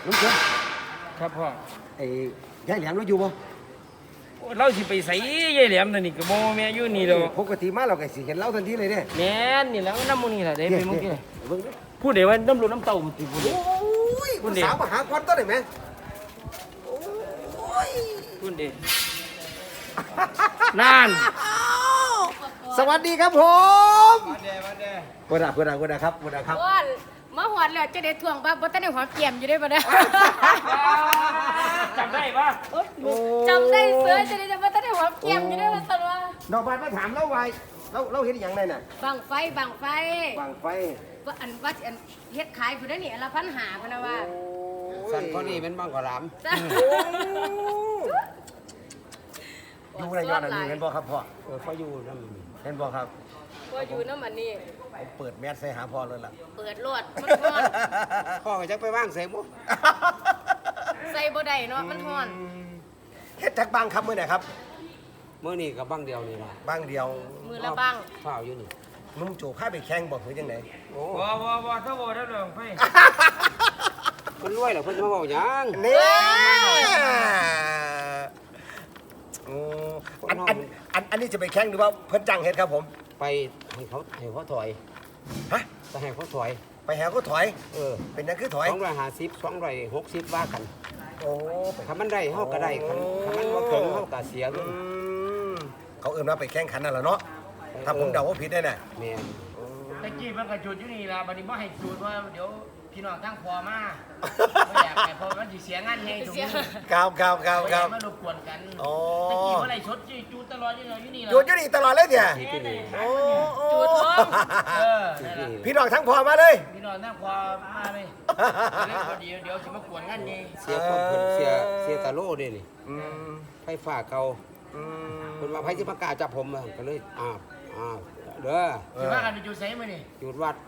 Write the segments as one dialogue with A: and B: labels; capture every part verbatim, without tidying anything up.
A: ลุงเชิญ
B: ครับพ่อ
A: ไอ้ยายแหลมเราอยู่บ่
B: เราสิไปใส่ยายแหลมตัวนี้ก็บ่แม่อยู่นี่ดอก
A: ปกติมาเราก็สิเห็นเราทันทีเลยเด้
B: แม่นนี่แล้วน้ำมูนี่ล่ะเด้ไปเมื่อกี้
A: เบิ่งดิ
B: พูดได้ว่าน้ำลูกน้ำเต้ามันสิพูด
A: โอ้ยผู้สาวมาหาควันตัวได้ไหมโอ้ย
B: พูดได้นั่น
A: สวัสดีครับผมมาเด้มาเด้กูด่ากูด่ากูด่าครับกูด่าครับ
C: ว่ามาหอดแล้วจะได้ทวงป่ะบ่ทันได้หอมเกียมอยู่ได้ป่ะเนี่ย
B: จำได้ปะ
C: จำได้เสือจะได้จะบ่ทันได้หอมเกียมอยู่ได้ป่ะตลอด
A: ดอกบานมาถามเราไว้เราเราเห็นอย่างไรน่ะ
C: บังไฟบังไฟ
A: บางไฟ
C: ว่าอันว่าอันเฮ็ดขายพุ่นนี่อันละพันหาพุ่นน่ะว่า
D: สันข้อนี้เป็นบ้างกว่าล
C: จ้ะ
A: ดูในยอดอันนี้เห็นบ่ครับพ่อ
D: ำเออเขาอยู่นั่น
A: เห็นบ่ครับ
C: ว่าอยู่นำอันนี้
A: ผมเปิดแมสใส่หาพ่อเลยล่ะ
C: เปิดรถมันฮ้อน
D: พ่อก็จะไปว่างใส่หมุ
C: ใส่บ่ได้เนาะมันฮ้อน
A: เฮ็ดจักบางครับมื้อไหนครับ
D: เมื่อนี่กับบ้างเดียวนี่ละ
A: บางเดียว
C: มือละบัง
D: ข้าวอยู่นี่
A: นุ่มโจพาไปแข่งบ่หรือจังได
D: โอ้
B: บ่บ่บ่ถ้าบ่ได้เรื่องไฟ
D: คนรวยเหรอเพิ่นจะมาบอกหยัง
A: นี่โอ้อันอันอันอันนี้จะไปแข่งหรือว่าเพิ่นจ้างเฮ็ดครับผม
D: ไปให้เขาให้เขาถอย
A: ฮะ
D: ไปให้เขาถอย
A: ไปหาเขาถอย
D: เออ
A: เป็นหยังคือถอย
D: สองร้อยห้าสิบสองร้อยหกสิบว่ากัน
A: โอ้ไป
D: ถ้ามันได้เขาก็ได้คันถ้ามันว่าเกินเขาก็เสีย
A: อื
D: เงิน
A: มเขาเอิ้นว่าไปแข่งขันนั่นล่ะเนาะถ้าผมเดาว่าผิดได้น่ะ
D: แม่น
B: ตะกี้มันก็จุดอยู่นี่ล่ะบัดนี้บ่ให้จุดเพราะเดี๋ยวพี่น้องทั้งพ่อมาบ่อยากให้พ่อมันสิเสียงานใหญ่ตรงนี้
A: ครับครับครับครับ
B: มารบกวนกัน
A: อ๋อ
B: ตะกี้บ่ได้ชดจุดตลอดอยู่นี่ล่ะ
A: หยุดอยู่นี่ตลอดเลยเนี่ย
D: ที่นี่
A: โอ้โอ้
C: จูดพร้อม
B: เออนั่นล่ะ
A: พี่น้องทั้งพอมาเลย
B: พี่น้องทั้งพ่อมาเลยเดี๋ยวเดี๋ยวสิมากวนงานใหญ่
D: เสียคนเพิ่นเสียเสียตาโล่เด้นี่
A: อืม
D: ไฟฟ้าเก่า
A: อืม
D: เพิ่นว่าไผสิมากล้าจับผมอะก็เลยอ้าวอ้าวเด้อ
B: สิว่ากันไปจุดไสมื้อนี่
D: หยุดวัด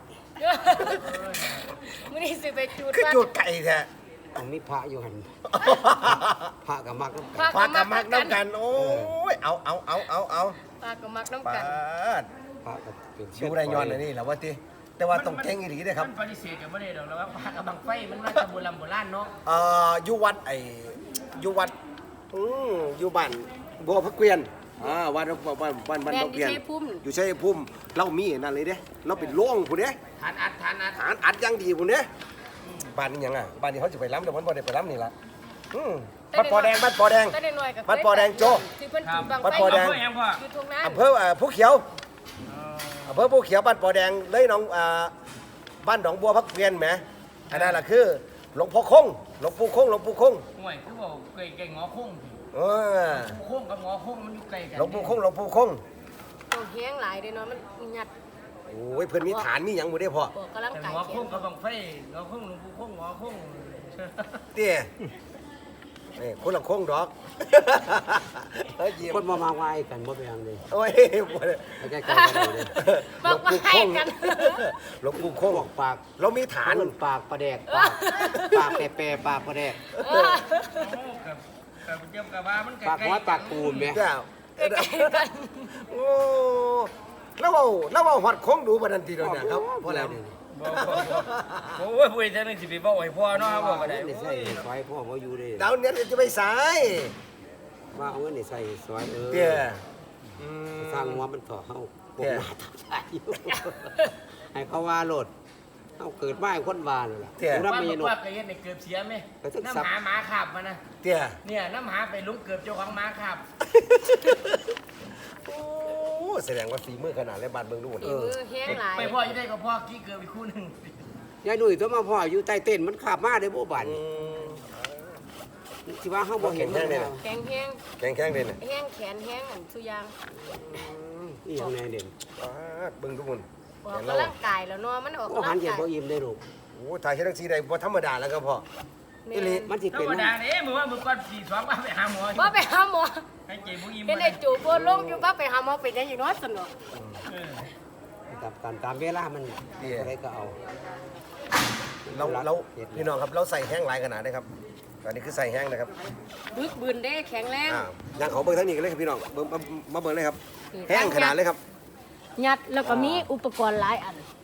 C: มื้อนี้สิไปจูด
A: คือ
C: ว่า
A: จุดไก่แท้
D: ต้องมีพระอยู่หันพระกับมักน้ำ
C: พระ
D: กัน
A: ปากกับมักน้ำกัน โอ้ย เอาเอาเอาเอาเอา
C: ปากก็มักน้ำ
A: ปา
C: กัน
A: ด
D: พระกับเป็นเชื
A: ดูได้ย้อนเลยนี่แหละว่าติแต่ว่าต้องแข่งอีหลีเด้อครับ
B: มันปฏิเสธกันบ่ได้ดอกแล้วว่าปากกับบังไฟมันมาจากโบราณโบราณเนาะ
A: เอ่ออยู่วัดไอ้อยู่วัดอืออยู่บ้านบัวพระเกวียนอ่าวัดบ้านบ้านบ้าน
C: แม่น
A: พระเกวียน
C: อยู่ชัยภูมิ
A: อยู่ชัยภูมิเรามีนั่นเลยเด้เราเป็นโล่งผู้เด้
B: ทานอัดทานอัด
A: ฐานอัดอยังดีผู้เด้บ้านนี้หยังอ่ะบ้านนี้เขาจะไปล้ำแต่วันบ่ได้ไปล้ำนี่ล่ะอืมบ้านปอแดงบ้านปอแดง
C: แต่น้อยๆก็
A: วัดปอแดงโจ้
C: ที่เพิ่นจุดบัง
A: วัด
C: ไฟ
A: ปอแดง
B: เพื่อยังพ่อ
C: อยู่ตรงนั้น
A: อำเภอเอ่อผู้เขียวอำเภอผู้เขียวบ้านปอแดงเลยหน้องอ่าบ้านหนองบัวพักเวียนแหมอันนั้นล่ะคือหลวงพ่อคงหลวงปู่คงหลวงปู่คง
B: ห่วยคือบอกไก่ไก่งอคง
A: เออ
B: คงกับงอคงมันอยู่ไกลกัน
A: หลวงปู่คงหลวงปู่คง
C: ต้องแห้งหลายเด้เนาะมันหยัด
A: โอ้ยเพิ่นมีฐานมีหยังบ่ได้พ่อ
C: ออกกำลัง
B: แต่
C: กาย
B: งอ
C: แข
B: คง
C: น
B: กับบังไฟงอคงหลวงปู่คงงอคง
A: เตี้ยนี่คนละคงดอกเฮ้ยยิ้ม
D: คนมามาไหว้กันบ่เป็นหยังเลย
A: โอ้ยบ่ได้
D: ไปใกล้ๆกันเลย
C: บอกว่าให้กัน
A: หลวงปู่คง
D: บอกปาก
A: เรามีฐาน
D: เพิ่นปากประแดกปากปากแปรๆปากประแดก
B: กับกับเจ้ากับว่ามันไกล
D: ปากหัวปากปูนแม่
A: เจ้าโอ้แล้วเว้าแล้วเว้าฮอดคงดูบัดนั้นทีเดียวเนี่ยครับพอแล้ว
B: โอ้ยพูดจังนึงสิไปบอกให้พ่อเนาะบอกก็ได้
D: นี่ใส่ซอยพ่อบ่อยู่เด้
A: ดาวเนี่ยจะไปสาย
D: ว่าเอาเงินนี่ใส่ซอยเออ
A: เตี้ยอืม
D: สร้างหัวมันต่อเฮาป
A: แก่
D: กหน้าทับใจอยู่ให้เขาว่าโลดเฮาเกิดมาให้คนว่านั่นล่ะ
A: เตี้ย
D: รับ
B: ว่า
D: มี
B: บอก
D: นก
B: ว่าเคยเห็นในเกือบเสียไหม
D: ไปถึง
B: น้ำ
D: สับ
B: หาหมาขับมานะ
A: เตี้ย
B: เนี่ยน้ำหาไปลุงเกือบเจ้าของหมาขับ
A: โอ้แสดงว่าฝีมือขนาดและบานเบิ่งดูหมด
C: ฝีมือแห้งหลาย
B: ไปพ่อจะได้กับพ่อกี้เกือบอีกคู่หนึ่ง
D: ยายหนุ่ยตัวมาพ่ออยู่ใต้เต้นมันขับมาได้บ่บาด
A: อื
D: นี่
A: ม
D: สิว่าเฮาบ่เห็น
A: เห็นแน่เลย
C: แข็งแห้ง
A: แข็งแข็งเลยเนี่ย
C: แห้งแขนแห้งอันสุยาง
D: อีหยังแน่เด่น
A: อ่าเบิ่งทุกคน
C: ออก
A: เห็นแล้ว
C: กำลังกายแล้วเนาะมันออก
D: โอ้
C: กำ
D: หั
C: ลั
D: น
C: ง
D: เย็น
C: กาย
D: บ่อิ่มได้ลูก
A: โอ้ถ่ายเฮ็ดจังซี่ได้บ่ธรรมดาแล้วครับพ่อ
C: แม่
A: อีหลี
D: มันสิ
B: ธร
D: เป็น
B: รมดาเนี่ยมือว่ามือก้อนสี่สองว่าไปหาหมอ
C: บ่ไปหาหมอ
B: ให้เจ็บบุ้ย
C: เห็นไอ้จูบลงอยู่บ่ไปหาหมอเป็นจังอยู่เนาะสนุก
D: ตามตามตามเวลามันอะไรก็เอา
A: เราเราพี่น้องครับเราใส่แห้งหลายขนาดได้ครับตอนนี้คือใส่แห้งนะครับ
C: บึกบืนได้แข็งแรง
A: อ่าอย่างเขาเบิ่งทางนี้กันเลยครับพี่น้องเบิ่งมามาเบิ่งเลยครับแห้งขนาดเลยครับ
C: ยัดแล้วก็มีอุปกรณ์หลายอัน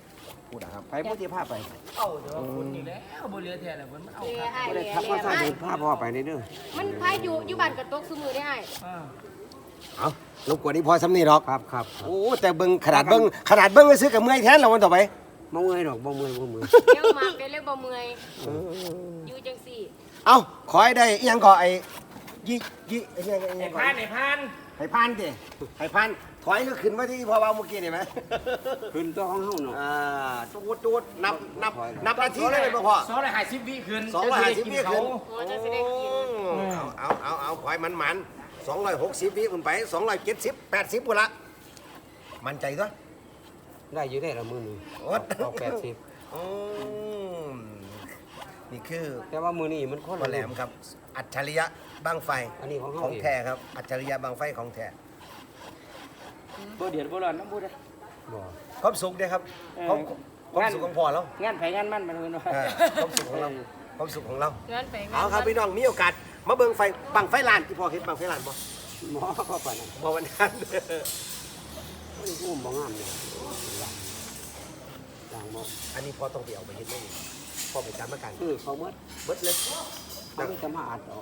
A: พูดนะครับ
D: ไปพุทธิภาพไป
B: เอ้าแต่ว่าคนนี่แล้วบ่เหลือแท้แล้วเพิ่นมันเอา
C: เอ้ย
B: ครับ
C: ไอ้
D: ไม่ได้
C: เอ้ย
D: ทักว่าใส่
C: ไอ้
D: เดินภาพพ่อไปนี่เด้อ
C: มันพายอยู่อยู่บ้านกับตกซุมือได้ไอ้
B: อ่า
A: เอารบกวนนี่พอสำนีหรอก
D: ครับครับ
A: โอ้แต่เบิ้งขนาดเบิ้งขนาดเบิ้งก็ซื้อกับเมื่อยแทนเราวันต่อไป
D: บ่เมื่อยดอกบ่เมื่อยบ่เมื่อย
C: ยังมากได้เลยบ่เมื่อยอยู่จังสี่
A: เอาขอให้ได้อิหยังก่อไอ้ยี่ยี่ไอ้เนี่ยไอ้
B: ไอ้
A: เนี่ย
B: พานไอ้พาน
A: ให้พันดิให้พันถอยก็ขึ้นมาที่พอเบาเมื่อกี้นี่ไหม
D: ขึ้นตัวของเฮาเนาะ
A: อ่าจูดจูดนับนับนับนาทีเลยบ่พ่อ
B: สองร้อยห้าสิบวิขึ้น
A: สองร้อยห้าสิบวิขึ้น
C: โอ้จะสิได้กิน
A: เอาเอาเอาขอยมันมันสองร้อยหกสิบวิขึ้นไปสองร้อยเจ็ดสิบแปดสิบพุ่นละมั่นใจตัว
D: ได้อยู่ได้ละมื้อนึง
A: โอ๊ย
D: เอาแปดสิบ
A: อืมนี่คือ
D: แต่ว่ามื้อนี้มันคน
A: พ่อแหลมครับ อัจฉริยะบังไฟ
D: อันนี้ของเฮา
A: ของ
D: เอง
A: แท้ครับ อัจฉริยะบังไฟของแท้
B: บ่เดือดบ่ร้อนน้ำบูด
D: บ่
A: ความสุขเด้ครับความความสุขของพ่อเรา
B: งานไผงานมันมันเพิ่นว่า
A: เออความสุขของเราความสุขของเรา
C: งั้นไปงั้น
A: เอาครับพี่น้องมีโอกาสมาเบิ่งไฟบังไฟลานที่พ่อเห็นบังไฟลานบ่
D: หมอเข้าไปนั่น
A: บ่วันนั้น
D: มันอุ้มบ่งามเลยต่างบ่
A: อันนี้พ่อต้องไปเอาไปเฮ็ดเลยพ่อไปจำมากัน
D: คือเขาหมด
A: เบิดเลย
D: เขาไม่จะมาอัดออก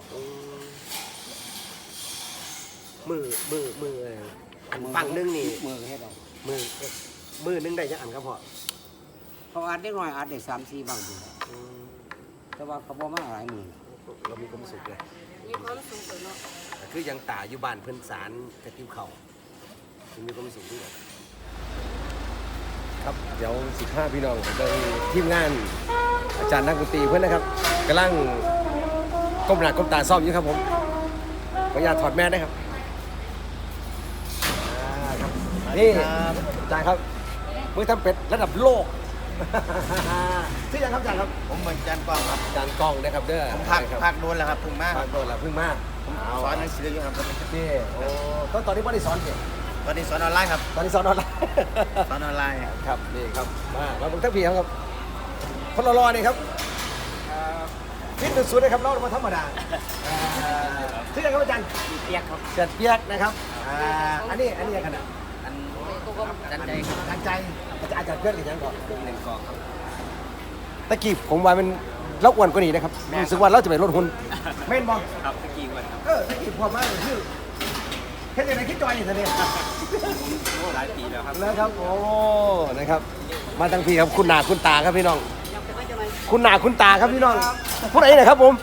A: มือมือมืออันฝั่งหนึงนี่
D: มือเฮ็ดออก
A: มือมือหนึงได้จังอันครับพ่อ
D: เขาอัดได้น้อยอัดได้สามสี่บางอยู่แต่ว่าเขาบ่มาหลายมือ
A: เรามีความสุขเลย
C: มีความสุขเลยเนาะ
A: แต่คือยังตาอยู่บ้านเพิ่นสารกระติบเข่ามีความสุขด้วยครับเดี๋ยวสิบห้าพี่น้องไปทีมงานอาจารย์นักดนตรีเพื่อนนะครับกำลังก้มหน้าก้มตาซ่อมอยู่ครับผมขออนุญาตถอดแมสนะครับอ่าครับนี่อาจารย์ครับมือทำเป็ดระดับโลก ชื่อยังครับอาจารย์ครับ
E: ผมเหมือนจันกองครับ
A: อาจารย์กล้องนะครับเด้อ
E: ผมพัก
A: ครับ
E: พักโดนแล้วครับเพิ่งมา
A: พักโดนแล้วเพิ่งมา
E: สอนหนังสืออยู่ครับ
A: นี่โอ้ก็ตอนนี้ไม่ได้สอนเด็ก
E: ตอนนี้สอนออนไลน์ครับ
A: ตอนนี้สอนออนไลน์
E: สอนออนไลน์
A: ครับนี่ครับมามาเบิ่งทั้งพี่ครับคนรอๆนี่ครับฟิตสุดๆเลยครับเรามาธรรมดาอ่าชื่อยังครับอาจารย์
B: เปียกครับ
A: เสียดเปียกนะครับอ่าอันนี้อันนี้ยังไงนะ
B: อันจันใจครับ
A: อาจารย์ใจอาจารย์อาจารย์เปียกหรือยังก่อนหนึ่งกองครับตะกี้ผมว่ามันเราอ้วนกว่านี้นะครับรู้สึกว่าเราจะไปลดหุ่นเม่นบอ
B: ครับตะกี้วันครับ
A: เออตะกี้พอมากเลยชื่อแค่ไหนคิดจอยอย่างนี้
B: โอ้หลายปีแล้วครับ
A: แล้วครับโอ้นะครับ มาทั้งพี่ครับคุณหนาคุณตาครับพี่น้อง คุณหนาคุณตาครับพี่น้องผู้ใดนะครับผม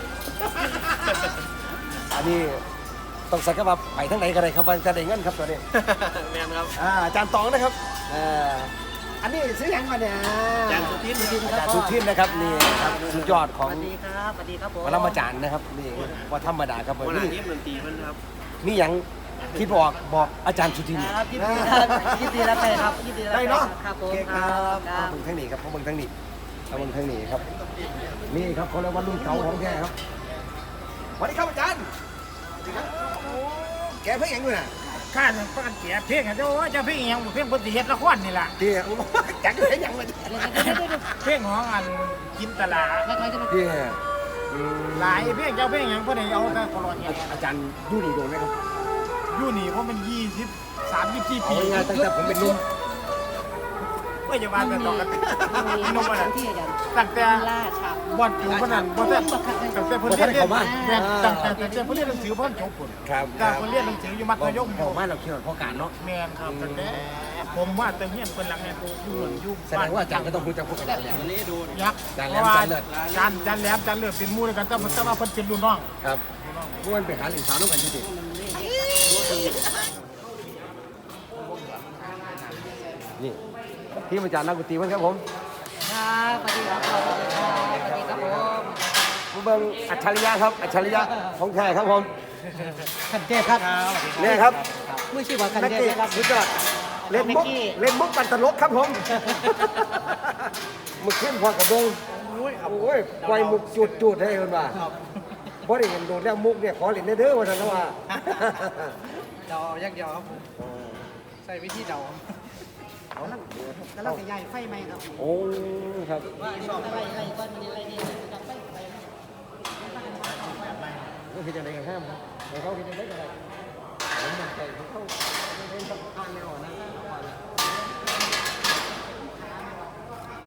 A: อันนี้ต้องสักว่าไปทั้งไหนกันเลยครับว่าจะได้เงินครับตัวนี้
B: แม่นครับ
A: อ่าอาจารย์ตองนะครับอ่าอันนี้ซื้อยังมาเนี่ย
E: อาจารย์สุทิน
A: อาจารย์สุทินนะครับนี่ครับสุดยอดของ
E: สวัสดีครับสวัสดีครับผม
A: ปรมาจารย์นะครับนี่ว่าธรรมดาครับ
E: วัน
A: นี่
E: นี้ดนตรีมันครับ
A: นี่ยังที่บอกบอกอาจารย์สุทิน
E: ครับยินดีครับยินดีรับไปครับยินดีรับ
A: ได้เนาะ
E: ครับผม
A: โอเคครับขอบคุณทั้งนี้ครับขอบคุณทั้งนี้ขอบคุณทั้งนี้ครับ นี่ครับเขาเรียกว่ารุ่นเก่าของแท้ครับสวัสดีครับอาจารย์สวัสดีครับโอ้แกเพิ่งยังอยู่น่ะ
B: ข้าจะป้านเสียเพลงอ่ะเจ้าว่าเจ้าเพลงยังเพลงปฏิเฮ็ดละครนี่ล่ะ
A: เดี๋ยวจังเลยยังเลย
B: เพลงของอันกินตลา
A: เดี๋ยวอืม
B: หลายเพลงเจ้าเพลงยังบ่ได้เอาแต่ตลอดเนี่ย
A: อาจารย์ดูนี่โดนไหมครับ
B: อยู่นี่เพราะมันยี่สิบสามยี่สิบสี่
A: เอา
B: ปี
A: ง่ายๆตั้งแต่ผมเป็นหนุ่ม
B: ก็อย่าว่าแต่ตอกกันพี่น้องว่าน่ะ
C: ที่อาจารย์
B: ตั้งแต่
C: ล่าชา
B: บอดอยู่พนันบอดแต่ตั้งแต่เพิ่นเรียนเรียนแม่นตั้งแต่ตั้งแต่เพิ่นเรียนหนังสือเพิ่นจบพุ่น
A: ครับ
B: ตั้งเพิ่นเรียนหนังสืออยู่มัธยม
A: พอมาเราเกี่ยวกับพ่อการเนาะ
B: แม่นครับตั้งแต่ผมว่าแต่เฮียนเพิ่นหลังเนี่ยอยู่เหมือนอยู่
A: แสดงว่าอาจารย์ก็ต้องรู้จักพวกกันแล้ว
E: วันนี้ดู
B: ยักษ์
A: จานแหล
B: เพ
A: ม
B: ราะว่า
A: จานเลิศ
B: จานจานแหลมจานเลิศเป็นหมู่ด้วยกันแต่ว่าแต่ว่าเพิ่นเป็นรุ่นน้อง
A: ครับม้วนไปหาหลิงสาวน้องกันจริงๆนี่ที่อาจารย์นักดนตรีเพื่อนครับผม
C: ครับสวัสดีครับสวัสดีครับสวัสดีครับผม
A: ผู้เบิ่งอัจฉริยะครับอัจฉริยะของแท้ครับผม
C: ขันเทพครับ
A: นี่ครับ
C: ไม่ใช่ว่าขัน
A: นัก
C: เท
A: เตะ
C: พครับ
A: สุดยอดเล่นมุกเล่นมุกปันตลกครับผมมึกขึ้นพอกับเบิ่งโอ้ยปล่อยมุกจุดจุดๆให้คนว่าบ่ได้เห็นโดนแล้วมุกเนี่ยขอเล่นเด้อว่าซั่นแล้วว่า
E: เดายักยอครับผมใส่วิธีเดา
C: แล้วเราจะย้ายไฟไหมครับ
A: โอ้ครับ
C: อะไรอะไรก้อนมันอะไรนี่จับไฟไฟ
A: ก็คือจะได้กันห้ามเขาคิดจะได้กันอะไรผมมั่นใจเขาเข้าเล่นต้องอ่านแนวนะ